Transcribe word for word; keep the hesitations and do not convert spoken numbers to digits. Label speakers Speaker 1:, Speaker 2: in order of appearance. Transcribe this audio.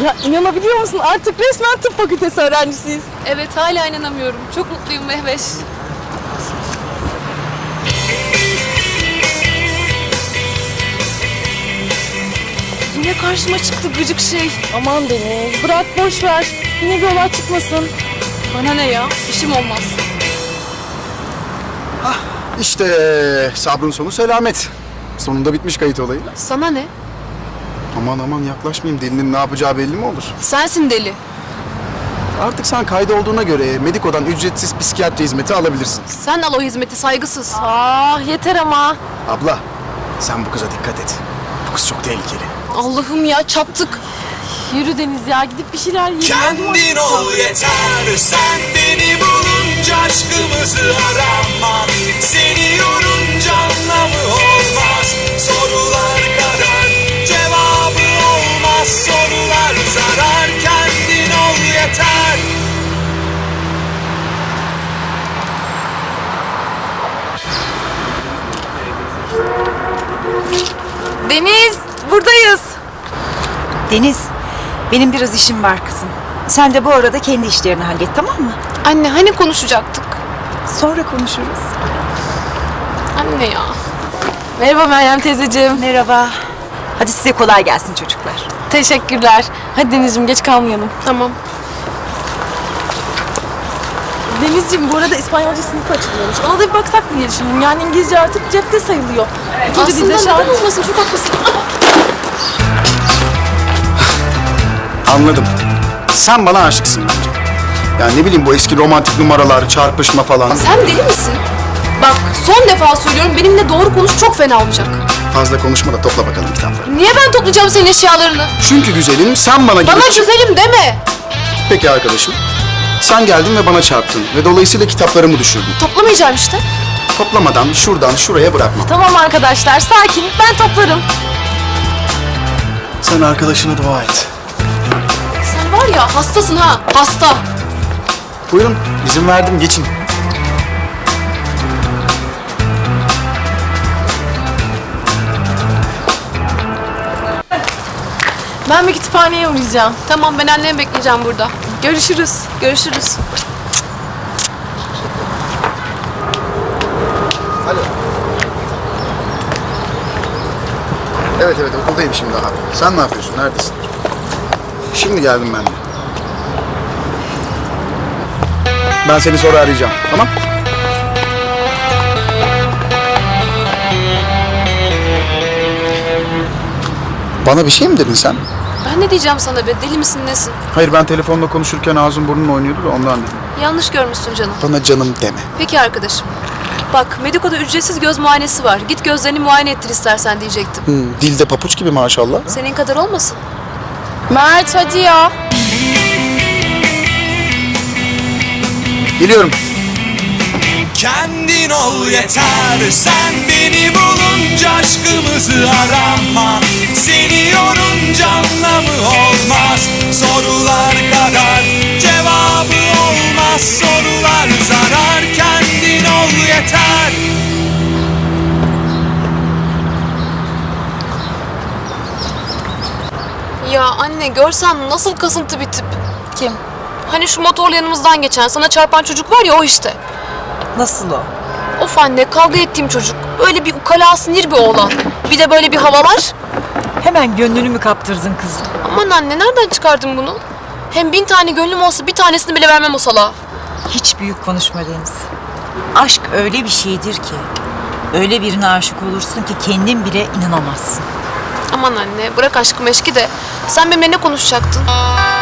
Speaker 1: Ya inanabiliyor musun? Artık resmen tıp fakültesi öğrencisiyiz.
Speaker 2: Evet, hala inanamıyorum. Çok mutluyum Mehveş. Yine karşıma çıktı gıcık şey.
Speaker 1: Aman Deniz, bırak boş ver. Yine bir olay çıkmasın.
Speaker 2: Bana ne ya? İşim olmaz.
Speaker 3: İşte sabrın sonu selamet. Sonunda bitmiş kayıt olayı.
Speaker 2: Sana ne?
Speaker 3: Aman aman yaklaşmayayım. Delinin ne yapacağı belli mi olur?
Speaker 2: Sensin deli.
Speaker 3: Artık sen kayda olduğuna göre Mediko'dan ücretsiz psikiyatri hizmeti alabilirsin.
Speaker 2: Sen al o hizmeti, saygısız.
Speaker 1: Aa yeter ama.
Speaker 3: Abla sen bu kıza dikkat et. Bu kız çok tehlikeli.
Speaker 2: Allah'ım ya, çattık.
Speaker 1: Yürü Deniz ya, gidip bir şeyler yiyelim.
Speaker 4: Kendin ol yeter, sen beni bulunca aşkımızı arama. Seni yorunca anlamı olmaz, sorular kadar cevabı olmaz. Sorular zarar, kendin ol yeter.
Speaker 2: Deniz, buradayız.
Speaker 5: Deniz, benim biraz işim var kızım. Sen de bu arada kendi işlerini hallet, tamam mı?
Speaker 2: Anne, hani konuşacaktık?
Speaker 5: Sonra konuşuruz.
Speaker 2: Anne ya.
Speaker 1: Merhaba Meryem teyzeciğim.
Speaker 5: Merhaba. Hadi size kolay gelsin çocuklar.
Speaker 1: Teşekkürler. Hadi Denizciğim, geç kalmayalım.
Speaker 2: Tamam.
Speaker 1: Denizciğim, bu arada İspanyolca sınıfı açılıyormuş. Ona da bir baksak mı diye düşündüm. Yani İngilizce artık cepte sayılıyor. İkinci
Speaker 2: Aslında
Speaker 1: dilde şart.
Speaker 2: neden olmasın, çok haklısın.
Speaker 3: Anladım. Sen bana aşıksın bence. Yani ne bileyim bu eski romantik numaralar, çarpışma falan.
Speaker 2: Sen deli misin? Bak, son defa söylüyorum, benimle doğru konuş, çok fena olacak.
Speaker 3: Fazla konuşma da topla bakalım kitapları.
Speaker 2: Niye ben toplayacağım senin eşyalarını?
Speaker 3: Çünkü güzelim sen bana...
Speaker 2: Bana
Speaker 3: gelip-
Speaker 2: güzelim deme.
Speaker 3: Peki arkadaşım. Sen geldin ve bana çarptın ve dolayısıyla kitaplarımı düşürdün.
Speaker 2: Toplamayacağım işte.
Speaker 3: Toplamadan şuradan şuraya bırakma.
Speaker 1: Tamam arkadaşlar, sakin. Ben toplarım.
Speaker 3: Sen arkadaşına dua et.
Speaker 2: Sen var ya, hastasın ha, hasta.
Speaker 3: Buyurun, izin verdim, geçin.
Speaker 1: Ben bir kütüphaneye uğrayacağım.
Speaker 2: Tamam, ben annemi bekleyeceğim burada.
Speaker 1: Görüşürüz.
Speaker 2: Görüşürüz.
Speaker 3: Alo. Evet evet, okuldayım şimdi abi. Sen ne yapıyorsun, neredesin? Şimdi geldim ben de. Ben seni sonra arayacağım, tamam? Bana bir şey mi dedin sen?
Speaker 2: Ben ne diyeceğim sana be, deli misin nesin?
Speaker 3: Hayır, ben telefonla konuşurken ağzım burnun oynuyordu da ondan dedim.
Speaker 2: Yanlış görmüşsün canım.
Speaker 3: Bana canım deme.
Speaker 2: Peki arkadaşım. Bak, Mediko'da ücretsiz göz muayenesi var. Git gözlerini muayene ettir istersen diyecektim.
Speaker 3: Hmm, dilde papuç gibi maşallah.
Speaker 2: Senin kadar olmasın.
Speaker 1: Mert hadi ya.
Speaker 3: Geliyorum.
Speaker 4: Kendin ol yeter, sen beni bulunca aşkımızı arama. Seni yorunca anlamı olmaz, sorular kadar cevabı olmaz. Sorular zarar, kendin ol yeter.
Speaker 2: Ya anne, görsen nasıl kasıntı bir tip.
Speaker 1: Kim?
Speaker 2: Hani şu motorla yanımızdan geçen, sana çarpan çocuk var ya, o işte.
Speaker 5: Nasıl o?
Speaker 2: Of anne, kavga ettiğim çocuk. Öyle bir ukala sinir bir oğlan. Bir de böyle bir havalar.
Speaker 5: Hemen gönlünü mü kaptırdın kızım?
Speaker 2: Aman anne, nereden çıkardın bunu? Hem bin tane gönlüm olsa bir tanesini bile vermem o salağa.
Speaker 5: Hiç büyük konuşma Deniz. Aşk öyle bir şeydir ki, öyle birine aşık olursun ki kendin bile inanamazsın.
Speaker 2: Aman anne, bırak aşkı meşki de. Sen benimle ne konuşacaktın?